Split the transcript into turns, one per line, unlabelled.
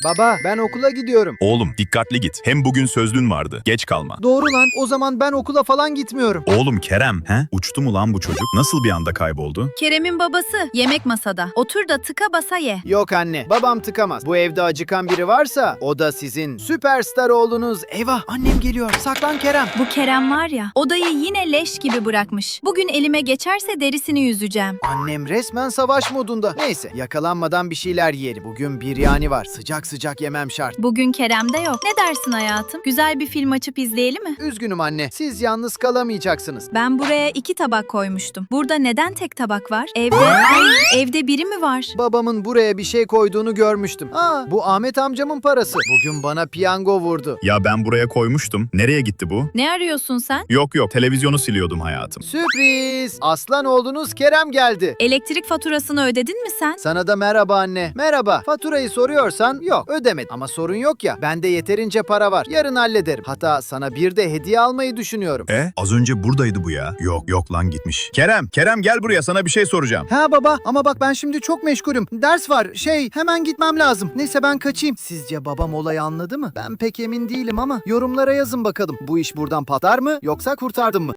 Baba, ben okula gidiyorum.
Oğlum dikkatli git. Hem bugün sözlün vardı. Geç kalma.
Doğru lan. O zaman ben okula falan gitmiyorum.
Oğlum Kerem, uçtu mu lan bu çocuk? Nasıl bir anda kayboldu?
Kerem'in babası yemek masada. Otur da tıka basa ye.
Yok anne, babam tıkamaz. Bu evde acıkan biri varsa o da sizin süperstar oğlunuz. Eyvah, annem geliyor. Saklan Kerem.
Bu Kerem var ya, odayı yine leş gibi bırakmış. Bugün elime geçerse derisini yüzeceğim.
Annem resmen savaş modunda. Neyse, yakalanmadan bir şeyler yiyelim. Bugün biryani var. Sıcak sıcak yemem şart.
Bugün Kerem de yok. Ne dersin hayatım? Güzel bir film açıp izleyelim mi?
Üzgünüm anne, siz yalnız kalamayacaksınız.
Ben buraya 2 tabak koymuştum. Burada neden tek tabak var? Evde biri mi var?
Babamın buraya bir şey koyduğunu görmüştüm. Bu Ahmet amcamın parası. Bugün bana piyango vurdu.
Ya ben buraya koymuştum. Nereye gitti bu?
Ne arıyorsun sen?
Yok, televizyonu siliyordum hayatım.
Sürpriz! Aslan oğlunuz Kerem geldi.
Elektrik faturasını ödedin mi sen?
Sana da merhaba anne. Merhaba. Faturayı soruyorsan yok, ödemedim. Ama sorun yok ya. Bende yeterince para var. Yarın hallederim. Hatta sana bir de hediye almayı düşünüyorum.
Az önce buradaydı bu ya. Yok lan gitmiş. Kerem gel buraya, sana bir şey soracağım.
Ha baba, ama bak ben şimdi çok meşgulüm. Ders var. Hemen gitmem lazım. Neyse ben kaçayım. Sizce babam olayı anladı mı? Ben pek emin değilim ama yorumlara yazın bakalım. Bu iş buradan patlar mı yoksa kurtardım mı?